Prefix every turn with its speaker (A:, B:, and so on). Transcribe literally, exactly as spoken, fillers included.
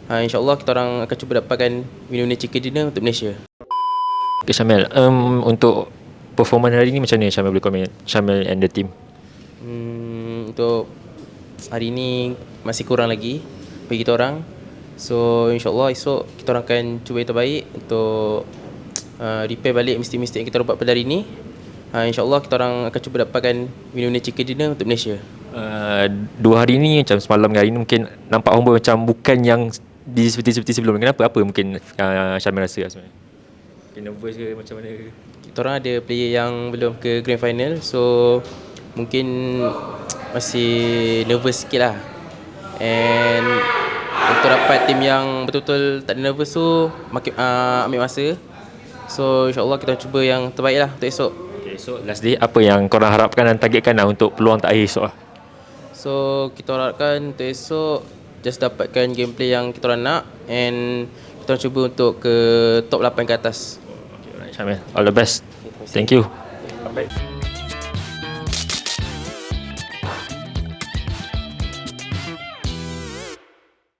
A: Ha, InsyaAllah kita orang akan cuba dapatkan winner-winner chicken dinner untuk Malaysia.
B: Okay, Syamil, um, untuk performan hari ni macam mana Syamil boleh komen? Syamil and the team.
A: Hmm, untuk hari ni masih kurang lagi bagi kita orang. So insyaAllah esok kita orang akan cuba yang terbaik untuk uh, repair balik mistake-mistake yang kita orang buat pada hari ni. uh, InsyaAllah kita orang akan cuba dapatkan winner-winner chicken dinner untuk Malaysia.
B: Uh, dua hari ni macam semalam dengan hari ni mungkin nampak Homeboy macam bukan yang di seperti seperti sebelum. Kenapa? Apa mungkin uh, Syamil rasa lah sebenarnya? Mungkin nervous ke macam mana ke?
A: Kita orang ada player yang belum ke grand final, so mungkin masih nervous sikit lah. And untuk dapat tim yang betul-betul tak ada nervous tu makin, uh, ambil masa. So insyaAllah kita cuba yang terbaik lah untuk esok.
B: Okay, so last day apa yang korang harapkan dan targetkan lah untuk peluang terakhir esok lah?
A: So kita harapkan untuk esok just dapatkan gameplay yang kita orang nak, and kita orang cuba untuk ke top lapan ke atas.
B: Okay, alright Syamil, all the best. Thank you. Bye.